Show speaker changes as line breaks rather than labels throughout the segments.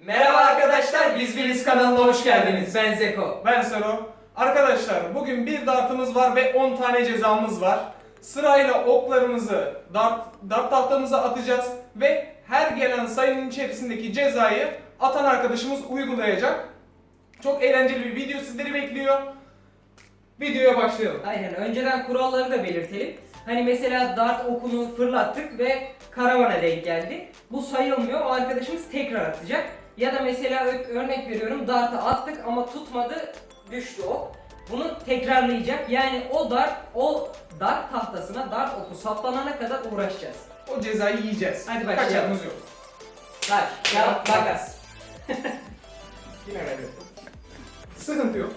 Merhaba arkadaşlar, Biz Biriz kanalına hoş geldiniz. Ben Zeko.
Ben Sero. Arkadaşlar bugün bir dartımız var ve 10 tane cezamız var. Sırayla oklarımızı dart tahtamıza atacağız ve her gelen sayının içerisindeki cezayı atan arkadaşımız uygulayacak. Çok eğlenceli bir video sizleri bekliyor. Videoya başlayalım.
Aynen, önceden kuralları da belirtelim. Hani mesela dart okunu fırlattık ve karavana denk geldi. Bu sayılmıyor, o arkadaşımız tekrar atacak. Ya da mesela örnek veriyorum, dartı attık ama tutmadı, düştü ok. Bunu tekrarlayacak. Yani o dart tahtasına dart oku saplanana kadar uğraşacağız.
O cezayı yiyeceğiz.
Hadi başlayalım.
Kaçarımız yok.
Taş, kağıt, makas.
Yine kaybettim. Sıkıntı yok.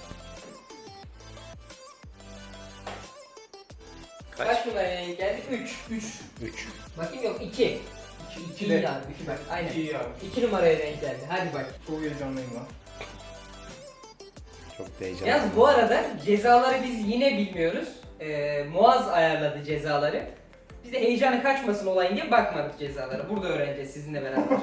Kaç numaraya denk geldi? 3.
3.
Bakayım, yok 2. 2
de.
iyi abi, 2 bak. Aynen.
İyi abi.
2 numaraya denk geldi. Hadi bak.
Çok heyecanlıyım lan.
Çok heyecanlı.
Yalnız bu arada cezaları biz yine bilmiyoruz. Muaz ayarladı cezaları. Biz de heyecanı kaçmasın olayın diye bakmadık cezalara. Burada öğreneceğiz sizinle beraber.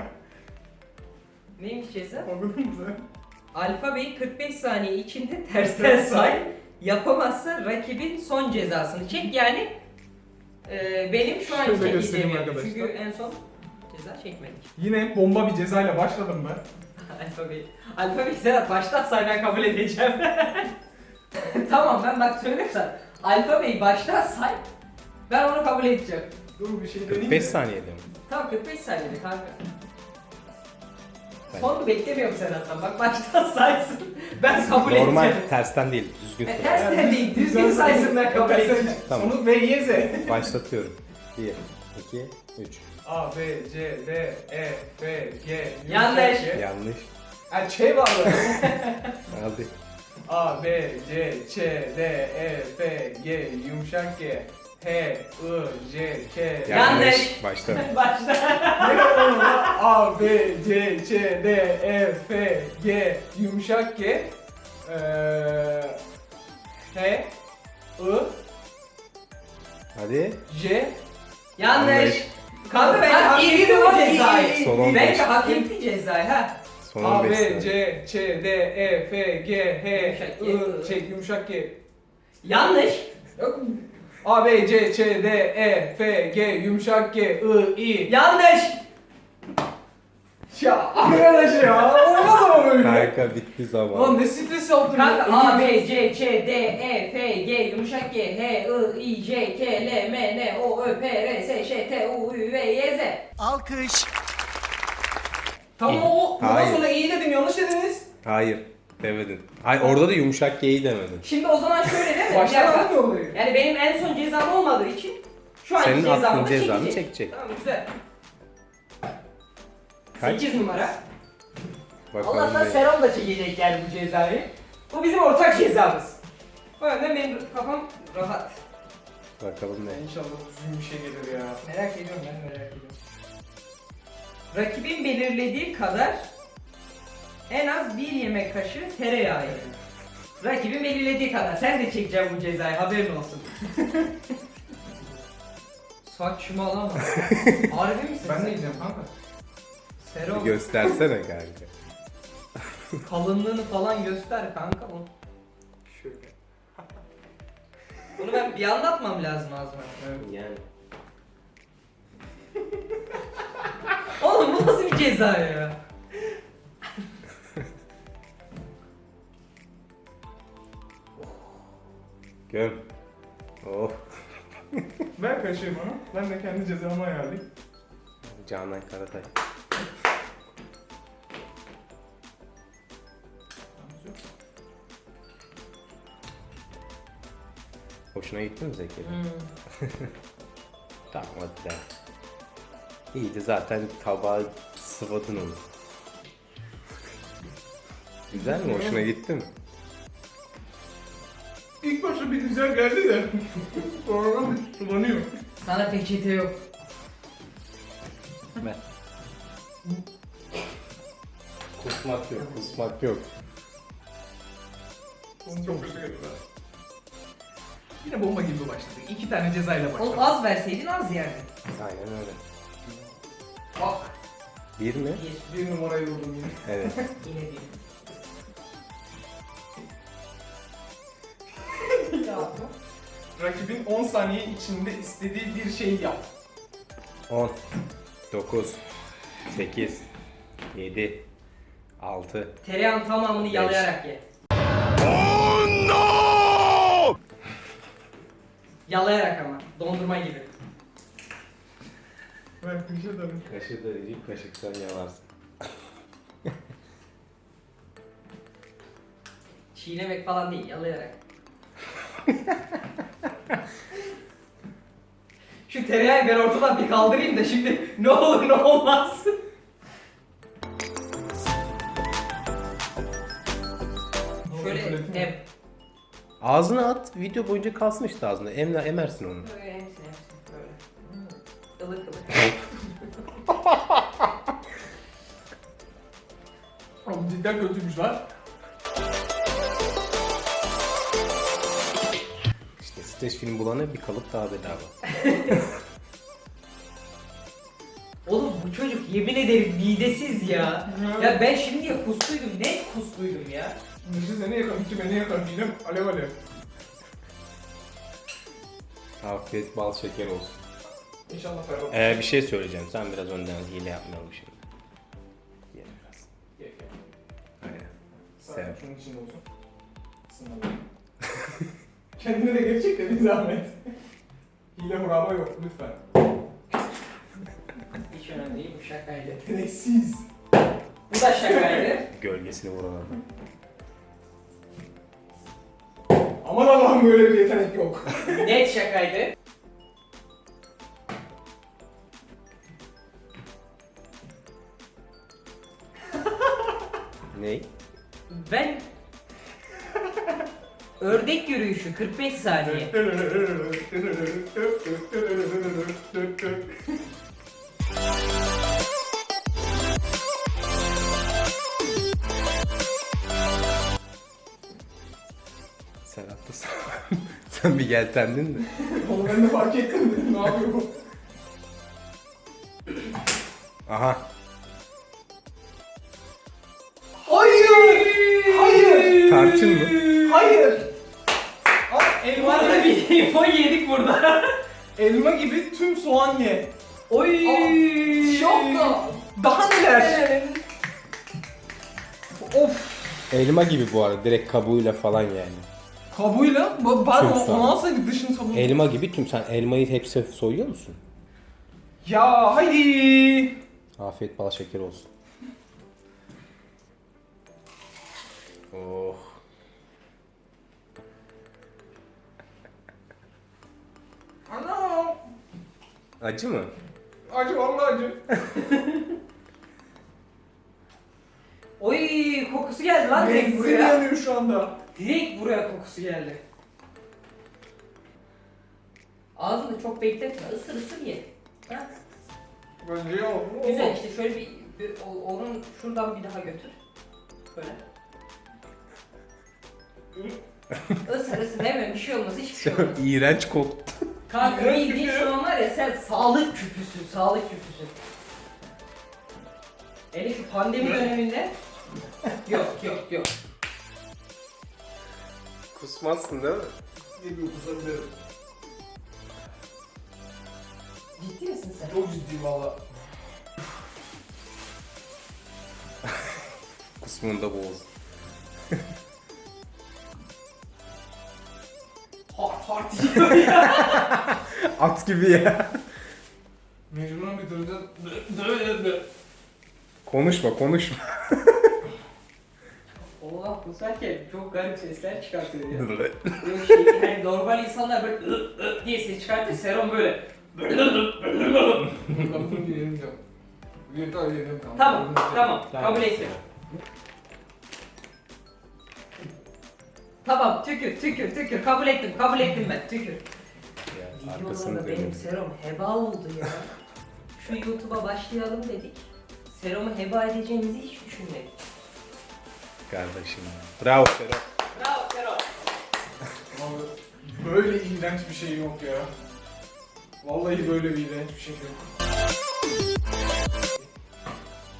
Neymiş ceza?
Anladın mı sen?
Alfabeyi 45 saniye içinde tersten say. Yapamazsa rakibin son cezasını çek. Yani benim şu an
Şöyle
çekeceğim
göstereyim
yani.
arkadaşlar.
Çünkü en son ceza çekmedik.
Yine bomba bir cezayla başladım ben.
Alfabeyi Serhat baştan say, ben kabul edeceğim. Tamam, ben bak söyleyeyim sana. Alfabeyi baştan say. Ben onu kabul edeceğim.
Dur bir şey deneyeyim
45
mi?
saniyede mi?
Tamam, 45 saniyede kanka.
Ben-
Sonunu beklemiyorum Serhat'tan. Bak baştan saysın. Ben kabul
Normal,
edeceğim.
tersten değil, düzgün söyle.
Tersten değil, düzgün saysın, ben kabul edeceğim.
Tamam.
Sonu V, Y, Z.
Başlatıyorum. 1, 2, 3.
A, B, C, D, E, F, G,
Yanlış.
Yanlış.
Ha, Ç var orada.
Hadi.
A, B, C, Ç, D, E, F, G, yumuşak G, H, I, J, K.
Yanlış.
Başla.
Başla.
Ne kadar olur lan? A, B, C, Ç, D, E, F, G, yumuşak G, H, I,
Hadi.
J.
Yanlış. Kanka ben
Ha,
hak
iyi,
ettim o
iyi,
cezayı.
iyi,
Son 15.
Bence hak etti cezayı ha.
Son
A,
15
B,
saniye.
C, Ç, D, E, F, G, H,
Yumuşak G.
I, yumuşak G.
Yanlış.
Yok mu? A, B, C, Ç, D, E, F, G, yumuşak G, I, I.
Yanlış.
Ya arkadaş ya, olmaz ama böyle.
Kanka bitti zaman.
Lan ne stres yaptın
Kanka
ya.
A, B, C, Ç, D, E, F, G, yumuşak G, H, I, I, J, K, L, M, N, O, Ö, P, R, S, Ş, T, U, Ü, V, Y, Z.
Alkış.
Tamam o, bundan
Hayır.
sonra iyi dedim, yanlış dediniz.
Hayır. Demedin. Hayır, orada da yumuşak G'yi demedin.
Şimdi o zaman şöyle değil mi?
Baştan
Bir dakika.
almıyor olayı.
Yani benim en son cezam olmadığı için şu anki
Senin
cezamı
attığın
da
cezanı
çekecek.
çekecek.
Tamam, güzel.
Kaç?
8 numara.
Bakalım
Allah'tan
ne?
Serhan da çekecek yani bu cezayı. Bu bizim ortak cezamız. O yüzden benim kafam rahat.
Bakalım ne?
İnşallah düzgün bir şey gelir ya.
Merak ediyorum, ben merak ediyorum. Rakibin belirlediği kadar en az 1 yemek kaşığı tereyağı ye. Rakibin belirlediği kadar. Sen de çekeceksin bu cezayı, haberin olsun. Saçmalama. Harbi misin?
Ben
sen?
de yiyeceğim kanka.
Sero,
Göstersene kanka.
kalınlığını falan göster kanka bunu.
Şöyle.
Bunu ben bir anlatmam lazım ağzıma.
Evet.
Yani.
Oğlum bu nasıl bir ceza ya?
Göm. Oh.
Ver kaşığı bana. Ben de kendi cezamı ayarlayayım.
Canan Karatay. Hoşuna gitti mi Zeki? Tamam hadi de. İyiydi zaten, tabağı sıvadın onu. Güzel mi? Hoşuna gitti mi?
İlk başta bir güzel geldi de. Sonra bir sulanıyor.
Sana peçete yok.
Ben. Kusmak yok, kusmak yok.
Onu çok kötü geldi. Yine bomba gibi başladık. 2 tane cezayla başladık.
Oğlum az verseydin az yerdin.
Aynen öyle.
Bak.
Bir mi?
Bir numarayı vurdum yine.
Evet.
Yine bir. Ya bu.
Rakibin 10 saniye içinde istediği bir şeyi yap.
10, 9, 8, 7, 6.
Tereyağın tamamını yalayarak ye. Yalayarak ama. Dondurma gibi.
Ben kışa dönüm.
Kaşı da değil, kaşıktan yalarsın.
Çiğnemek falan değil, yalayarak. Şu tereyağı ben ortadan bir kaldırayım da şimdi ne olur ne olmaz. Şöyle
Ağzına at, video boyunca kalsın işte ağzında. Emersin onu.
böyle hepsini böyle. Ilık ılık.
Oğlum cidden kötüymüş lan.
İşte streç film bulana bir kalıp daha bedava.
Oğlum bu çocuk yemin ederim midesiz ya. Ya ben şimdiye kustuydum, net kustuydum ya.
Dışı seni yakar, içi beni yakar. Midem alev alev.
Afiyet bal şeker olsun.
İnşallah ferah.
Bir şey söyleyeceğim. Sen biraz önden hile yapmayalım şimdi. Ye biraz.
Ye.
Aynen.
Sadece
Sev.
şunun içinde olsun. Sınavı. Kendine de gerçekten bir zahmet. Hile huraba yok lütfen.
Hiç önemli değil, bu şakaydı.
Yeteneksiz.
Bu da şakaydı.
Gölgesini vuran adam.
Aman Allah'ım böyle bir yetenek yok.
Net şakaydı.
Ney?
Ben ördek yürüyüşü 45 saniye.
Sen haklısın. Sen bir yeltendin de.
Onu ben de fark ettim dedim. Ne yapıyor bu?
Aha.
Hayır! Hayır!
Tarçın mı?
Hayır! Al, elma,
Bu arada bir info yedik burada.
elma gibi tüm soğan ye.
Oy!
Şokla! Daha neler? Of!
Elma gibi bu arada. Direkt kabuğuyla falan yani.
Kabuğuyla? Ben
Tüm soğan.
onu alsaydık dışını sabun.
Elma gibi tüm. Sen elmayı hepsi soyuyor musun?
Ya haydi!
Afiyet bal şeker olsun. Oh.
Ana!
Acı mı?
Acı vallahi acı.
Oy kokusu geldi lan direkt
Benzin
buraya.
yanıyor şu anda.
Direkt buraya kokusu geldi. Ağzını çok bekletme, ısır ısır ye. Ha?
Bence ya.
Güzel işte şöyle onun şuradan bir daha götür. Böyle. Isır ısır hemen bir şey olmaz, hiçbir şey olmaz.
İğrenç koktu.
Kanka
İğrenç
bildiğin
küpü.
şu an var ya sen sağlık küpüsün, sağlık küpüsün. Hele şu pandemi döneminde yok.
Kusmazsın değil mi?
Ne bir kusabilirim.
Ciddi misin sen?
Çok ciddiyim valla.
Kusmunda boğaz.
Hard yiyor ya.
At gibi ya.
Mecburen bitireceğiz.
Konuşma.
Allah kusarken çok garip sesler çıkartıyor ya. Böyle şey, hani normal insanlar böyle diye ses çıkartır, Serum böyle.
Kapatın bir yerim yok. Bir daha yerim kaldı.
Tamam, kabul ettim. Tamam, tükür, kabul ettim ben, tükür.
Arkasını
Videolarda benim
dönüyor.
serum heba oldu ya. Şu YouTube'a başlayalım dedik. Serumu heba edeceğimizi hiç düşünmedik.
Kardeşim. Bravo Sero.
Bravo Serum.
Abi, böyle iğrenç bir şey yok ya. Vallahi böyle bir iğrenç bir şey yok.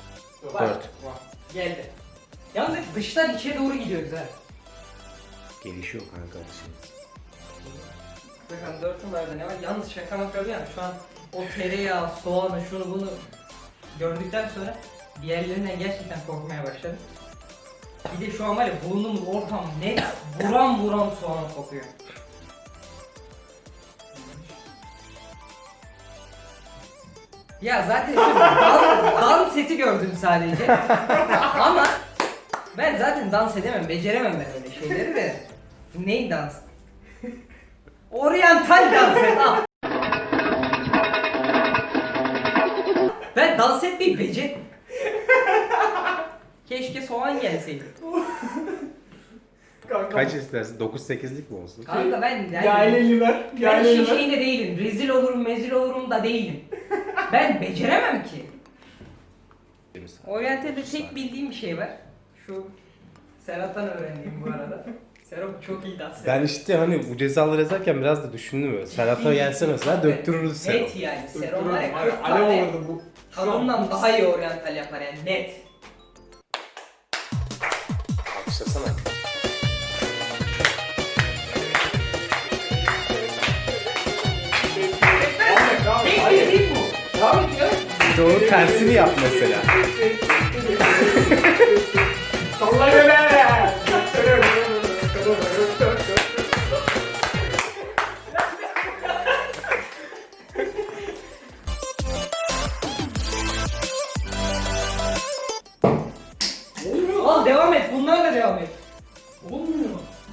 Var.
4.
Geldi. Yalnız hep dıştan içe doğru gidiyoruz ha.
Gelişiyor kanka şey.
Bakın 4 numarada ne var? Yalnız şaka maka yani şu an o tereyağı, soğanı, şunu bunu gördükten sonra diğerlerinden gerçekten korkmaya başladım. Bir de şu an var ya bulunduğumuz ortam net buram buram soğan kokuyor. Ya zaten şu dans seti gördüm sadece. Ama ben zaten dans edemem, beceremem ben öyle şeyleri de. Ney dans? Oryantal dans et al. Ben dans etmeyi becer. Keşke soğan gelseydi.
Kanka.
Kaç istersin? 9-8'lik mi olsun?
Kanka ben yani,
Yayleliler.
ben
Yayleliler.
şeyinde değilim. Rezil olurum, mezil olurum da değilim. Ben beceremem ki. Oryantal'de tek bildiğim bir şey var. Şu Serhat'tan öğrendiğim bu arada. Serhat çok iyi dans ediyor.
Ben işte hani bu cezaları yazarken biraz da düşündüm böyle. Serhat'a gelse mesela döktürürdü Serhat.
Net yani. Serhat var ya 40
Alev
tane
olurdu bu.
kanondan daha iyi oryantal yapar yani net.
Alkışlasana.
Tek bildiğim bu. Devam ediyor.
Bir de onun tersini yap mesela.
Salla göre.
Al devam et. Bunlarla devam et.
Olmuyor.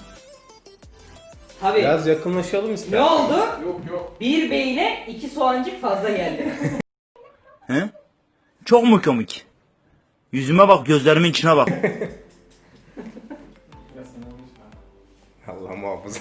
Tabii.
Biraz yakınlaşalım
Ne
ister.
oldu?
Yok.
Bir beyne 2 soğancık fazla geldi.
He? Çok mu komik? Yüzüme bak, gözlerimin içine bak.
Allah muhafaza.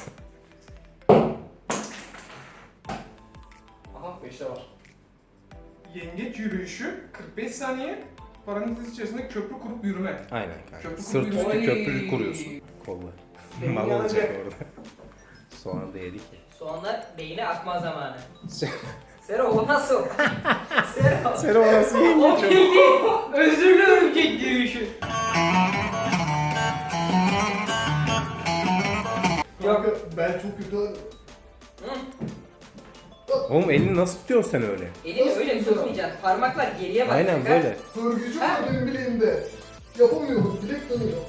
Aha 5'te var. Yengeç yürüyüşü 45 saniye. Parantez içerisinde köprü kurup yürüme.
Aynen kanka.
Köprü
Sırt üstü
kuruyor.
köprü kuruyorsun. Kolla.
Beyin
Mal olacak
yanacak.
orada. Soğan da yedik ya.
Soğanlar beyne akma zamanı. Sero o nasıl? Sero.
Sen o nasıl
O
yengeç o?
bildi. Özürlü örümcek yürüyüşü.
Kanka ben çok kötü
Oğlum elini nasıl tutuyorsun sen öyle?
Elini öyle tutmayacaksın. Parmaklar geriye bakacak.
Aynen
ha.
böyle.
hırgücü var benim bileğimde. Yapamıyorum, bilek dönüyor.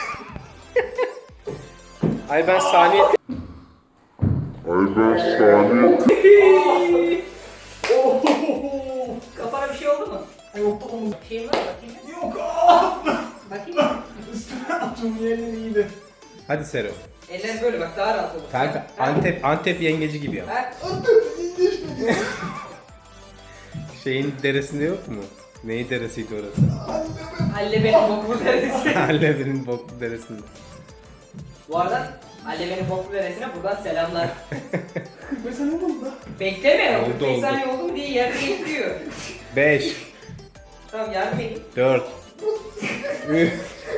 Ay ben saniye...
Kafana bir şey oldu mu?
Yok da omuz.
Bir şeyin var mı? Bakayım.
Yok.
Bakayım.
Üstüne attım yerin iyiydi.
Hadi Sero.
Eller böyle bak daha rahat olur.
Kanka
Ha?
Antep yengeci gibi yap.
Ha?
İyileşmedi.
Şeyin deresinde yok mu? Neyi deresiydi orası?
Allebe'nin boklu deresi.
Hallebi'nin boklu deresinde.
Bu arada Allebe'nin boklu deresine buradan selamlar.
45 saniye oldu da.
Bekleme.
Oldu,
45
oldu.
saniye oldu mu diye yerde bekliyor.
5,
Tamam yardım edin.
4, 3,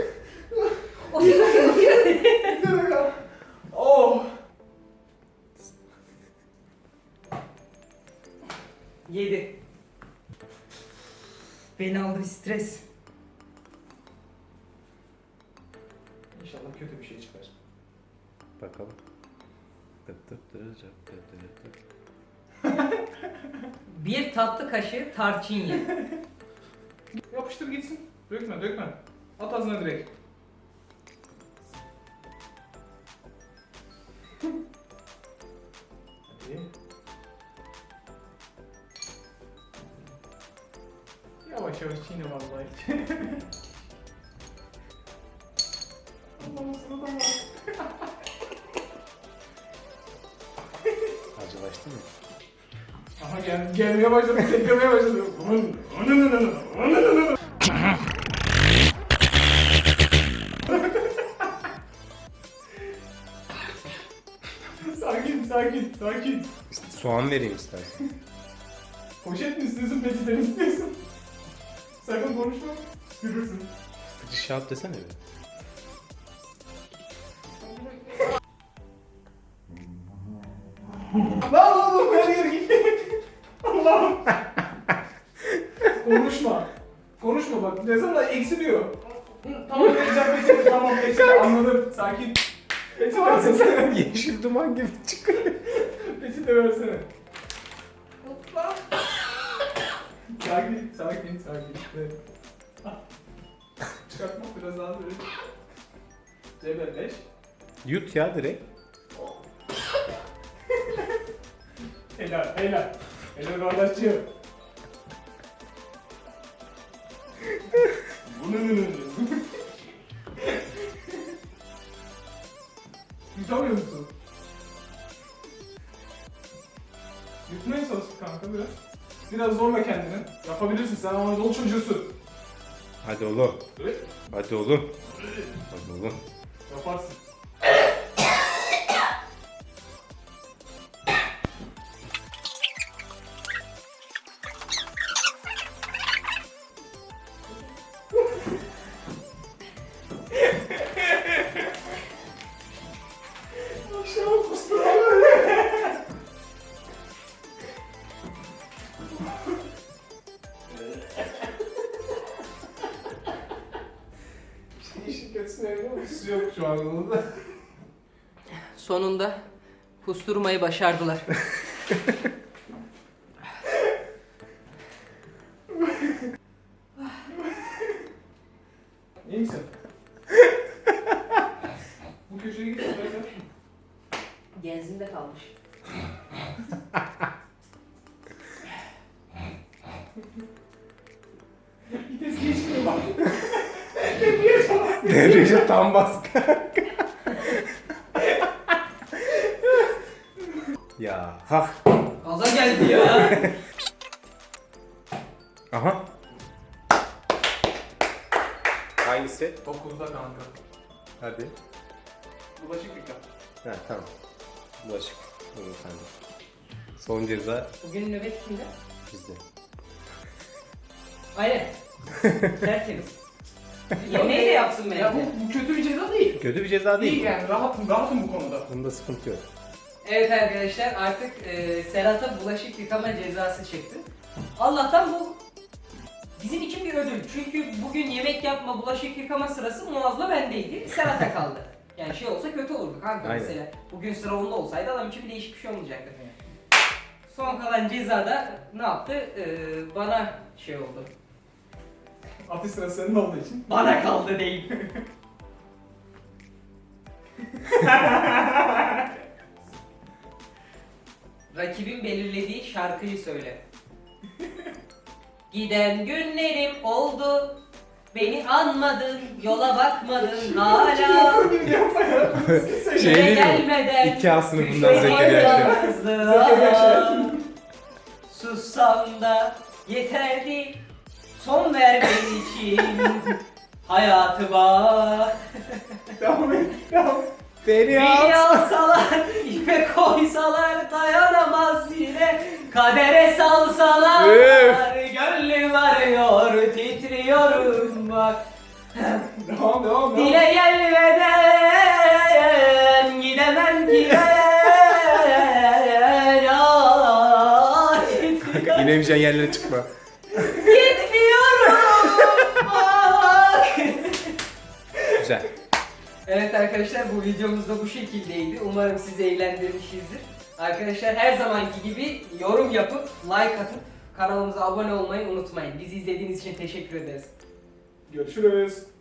Oh.
7. Beni aldı bir stres.
İnşallah kötü bir şey çıkar.
bakalım.
Bir tatlı kaşığı tarçın ye.
Yapıştır gitsin. Dökme. At ağzına direkt. Hadi. Yavaş çiğne vallahi. Allah'ım sana da var.
Acılaştı mı?
Aha gelmeye başladı, teklemeye başladı. Sakin.
İşte soğan vereyim istersen.
Poşet mi istiyorsun, peçete mi istiyorsun? Sakın konuşma, görürsün.
Fıcı şahap desene bir.
Lan oğlum her yere gitti. Allah'ım. Konuşma bak. Cezalar eksiliyor. Hı, tamam vereceğim peçete, tamam peçete, anladım. Sakin. Peçete versene.
Yeşil duman gibi çıkıyor.
Peçete versene. Hoppa. Sakin, sakin, sakin. Evet. Ah. Çıkartmak biraz daha böyle. Cebelleş.
Yut ya direkt.
Helal, helal. Helal kardeşciğim. Yutamıyor musun? Yutmaya çalış kanka biraz. Biraz zorla kendini. Yapabilirsin, sen Anadolu çocuğusun.
Hadi oğlum.
Evet.
Hadi oğlum. Hadi oğlum.
Yaparsın. Aşağı kusturalım. İşin kötüsü ne biliyor musun? Yok şu an onda.
Sonunda kusturmayı başardılar.
İyi misin? Bu köşeye git istersen.
Genzinde kalmış.
Vites geçmiyor bak.
Devreci tam baskı. Ya hah.
Gaza geldi ya.
Aha. Hangisi?
9'da kanka.
Hadi.
Bulaşık yıka.
Ha tamam. Bulaşık. Olur sende. Son ceza
Bugün nöbet kimde?
bizde.
Aynen. Tertemiz. Yemeği de yapsın bence.
Ya bu kötü bir ceza değil.
Kötü bir ceza değil.
İyi yani rahatım bu konuda.
Bunda sıkıntı yok.
Evet arkadaşlar artık Serhat'a bulaşık yıkama cezası çıktı. Allah'tan bu bizim için bir ödül. Çünkü bugün yemek yapma, bulaşık yıkama sırası Muaz'la bendeydi. Serhat'a kaldı. Yani şey olsa kötü olurdu kanka
Aynen.
mesela. Bugün sıra onda olsaydı adam için bir değişik bir şey olmayacaktı. Son kalan cezada ne yaptı? Bana şey oldu.
Atış sırası senin olduğu için.
Bana kaldı değil. Rakibin belirlediği şarkıyı söyle. Giden günlerim oldu. Beni anmadın, yola bakmadın hala.
Okur gibi yapma ya.
Şey değil mi?
Gelmeden
2A sınıfından
beni
Zekeriya Şen.
yalnızlığa.
Zekeriya Şen.
Sussam da yeterdi. Son ver benim için hayatıma.
Devam et. Devam et.
Beni alsalar, ipe koysalar dayanamaz yine. Kadere salsalar, gönlüm arıyor, titriyorum bak.
Devam.
Dile gelmeden gidemem ki ben. Ah,
İnemeyeceğin yerlere çıkma.
gitmiyorum. Bak.
Güzel.
Evet arkadaşlar bu videomuz da bu şekildeydi. Umarım sizi eğlendirmişizdir. Arkadaşlar her zamanki gibi yorum yapıp like atıp kanalımıza abone olmayı unutmayın. Bizi izlediğiniz için teşekkür ederiz.
Görüşürüz.